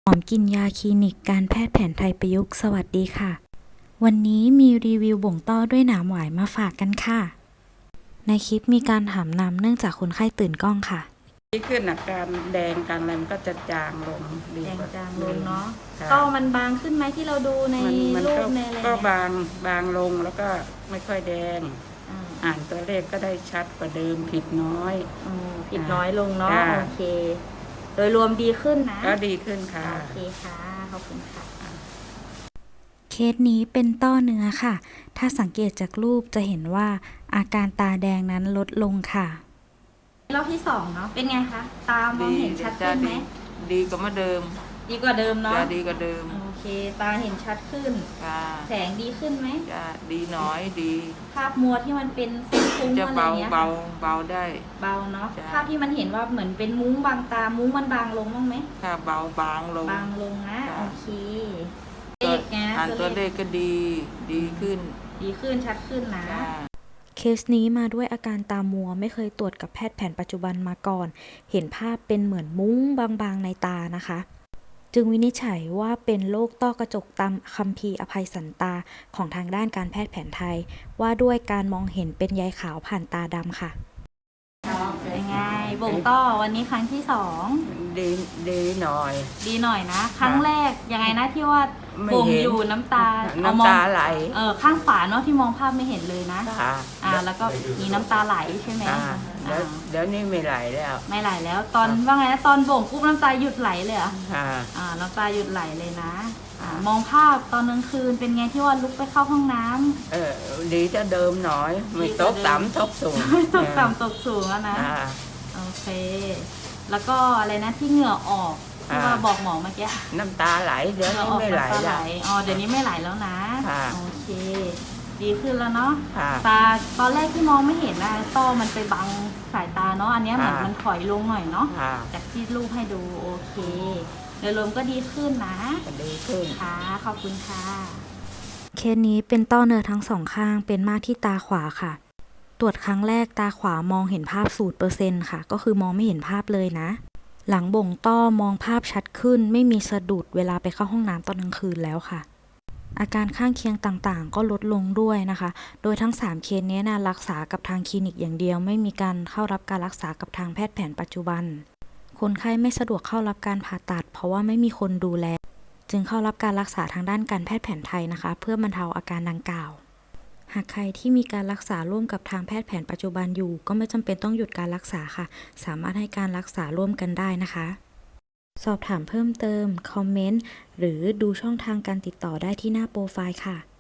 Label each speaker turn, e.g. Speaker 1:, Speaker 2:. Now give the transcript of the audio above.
Speaker 1: หอมกินยาคลินิกการแพทย์แผนไทยประยุกต์สวัสดีค่ะวันนี้มีรีวิวบ่งต้อด้วยหนามหวายมาฝากกันค่ะในคลิปมีการถามนำเนื่องจากคนไข้ตื่นกล้องค่ะ
Speaker 2: ดีขึ้นอาการแดงการอะไรมันก็จะจางลงดี
Speaker 3: แดง
Speaker 2: กว่า
Speaker 3: จางลงเนาะ
Speaker 2: ค่ะ
Speaker 3: ก็มันบางขึ้นไหมที่เราดูใน
Speaker 2: มัน
Speaker 3: รู
Speaker 2: ก็
Speaker 3: ปในอะไร
Speaker 2: ก็
Speaker 3: เนี่ย
Speaker 2: บางลงแล้วก็ไม่ค่อยแดง
Speaker 3: อ่า
Speaker 2: อ่านตัวเลขก็ได้ชัดกว่าเดิมผิดน้อย
Speaker 3: ผิดน้อยลงเนาะ
Speaker 2: ค่ะ
Speaker 3: โอเค โดยรวมดีขึ้นนะ
Speaker 2: ก็ดีขึ้นค่ะ
Speaker 3: โอเคค่ะขอบคุณค่ะ
Speaker 1: เคสนี้เป็นต้อเนื้อค่ะ ถ้าสังเกตจากรูปจะเห็นว่าอาการตาแดงนั้นลดลงค่ะ
Speaker 3: รอบที่สองเนาะเป็นไงคะตามองเห็นชัดขึ้นไหม
Speaker 2: ดีกว่าเมื่อเดิม
Speaker 3: ดีกว่าเดิมเนาะ
Speaker 2: จะดีกว่าเดิม
Speaker 3: โอเคตาเห็นชัดขึ้น
Speaker 2: ค่ะ
Speaker 3: แสงดีขึ้นไหม
Speaker 2: จะดีน้อยดี
Speaker 3: ภาพมัวที่มันเป็นฟุ้งๆ
Speaker 2: จะ
Speaker 3: อะไร
Speaker 2: เบา
Speaker 3: เงี้ย
Speaker 2: เบาเบาได้
Speaker 3: เบาเนาะ
Speaker 2: จ้ะ
Speaker 3: ภาพที่มันเห็นว่าเหมือนเป็นมุ้งบางตามุ้งมันบางลงบ้างไหม
Speaker 2: ค่ะเบาบางลง
Speaker 3: บางลงนะ
Speaker 2: จ้ะ
Speaker 3: โอเคเลขนะ
Speaker 2: อ่านตัวเลขก็ดีขึ้น
Speaker 3: ดีขึ้นชัดขึ้นนะ
Speaker 2: ค่ะ
Speaker 1: เคสนี้มาด้วยอาการตามัวไม่เคยตรวจกับแพทย์แผนปัจจุบันมาก่อน เห็นภาพเป็นเหมือนมุ้งบางๆในตานะคะ จึงวินิจฉัยว่าเป็นโรคต้อกระจกตามคัมภีร์อภัยสันตาของทางด้านการแพทย์แผนไทย ว่าด้วยการมองเห็นเป็นใยขาวผ่านตาดำค่ะ
Speaker 3: ยังไงบ่งต้อวันนี้ครั้งที่สอง
Speaker 2: ดีหน่อย
Speaker 3: ดีหน่อยนะ ครั้งแรกยังไงนะที่ว่า
Speaker 2: ไม่
Speaker 3: บ่ง
Speaker 2: เห็น
Speaker 3: อยู่น้ำตาเอ
Speaker 2: น้ำตาไหล
Speaker 3: ข้างขวาเนาะที่มองภาพไม่เห็นเลยนะ
Speaker 2: ค่ะ
Speaker 3: แล้วก็มีน้ำตาไหลใช่ไหม
Speaker 2: เดี๋ยวนี้ไม่ไหลแล้ว
Speaker 3: ไม่ไหลแล้วตอนว่าไงนะตอนบ่งปุ๊บน้ำตาหยุดไหลเลยเหรอ
Speaker 2: ค่ะ
Speaker 3: น้ำตาหยุดไหลเลยนะมองภาพตอนกลางคืนเป็นไงที่ว่าลุกไปเข้าห้องน้ำ
Speaker 2: ดีจะเดิมหน่อย ไม่ตกต่ำตกสูง
Speaker 3: ตกต่ำตกสูงแล้วนะ
Speaker 2: อ่า
Speaker 3: โอเค แล้วก็อะไรนะที่เหงื่อออกที่ว่าบอกหมอเมื่อกี้
Speaker 2: น้ำตาไหลเดี๋ยว
Speaker 3: เหงื่อ
Speaker 2: นี้
Speaker 3: ออก
Speaker 2: ไม่ไหล
Speaker 3: น้ำตาไหล
Speaker 2: แล้ว
Speaker 3: อ๋อเดี๋ยวนี้ไม่ไหลแล้วนะ
Speaker 2: ค่ะ
Speaker 3: โอเค ดีขึ้นแล้วเนาะ
Speaker 2: ค่ะ
Speaker 3: ตาตอนแรกที่มองไม่เห็นนะต้อมันไปบังสายตาเนาะอันเนี้ยเหมือน
Speaker 2: ค่ะ
Speaker 3: มันถอยลงหน่อยเนาะ
Speaker 2: ค่ะ
Speaker 3: จากที่รูปให้ดูโอเคโดยรวมก็ดีขึ้นนะ
Speaker 2: ก็ดีขึ้น
Speaker 3: ค่ะขอบคุณค่ะ
Speaker 1: เคสนี้เป็นต้อเนื้อทั้งสองข้างเป็นมากที่ตาขวาค่ะ ตรวจครั้งแรกตาขวามองเห็นภาพ0%ค่ะ ก็คือมองไม่เห็นภาพเลยนะ หลังบ่งต้อมองภาพชัดขึ้นไม่มีสะดุดเวลาไปเข้าห้องน้ำตอนกลางคืนแล้วค่ะ อาการข้างเคียงต่างๆ ก็ลดลงด้วยนะคะ โดยทั้ง3เคสนี้นะรักษากับทางคลินิกอย่างเดียวไม่มีการเข้ารับการรักษากับทางแพทย์แผนปัจจุบัน คนไข้ไม่สะดวกเข้ารับการผ่าตัด เพราะว่าไม่มีคนดูแล จึงเข้ารับการรักษาทางด้านการแพทย์แผนไทยนะคะ เพื่อบรรเทาอาการดังกล่าว หากใครที่มีการรักษาร่วมกับทางแพทย์แผนปัจจุบันอยู่ ก็ไม่จำเป็นต้องหยุดการรักษาค่ะ สามารถให้การรักษาร่วมกันได้นะคะ สอบถามเพิ่มเติม คอมเมนต์ หรือดูช่องทางการติดต่อได้ที่หน้าโปรไฟล์ค่ะ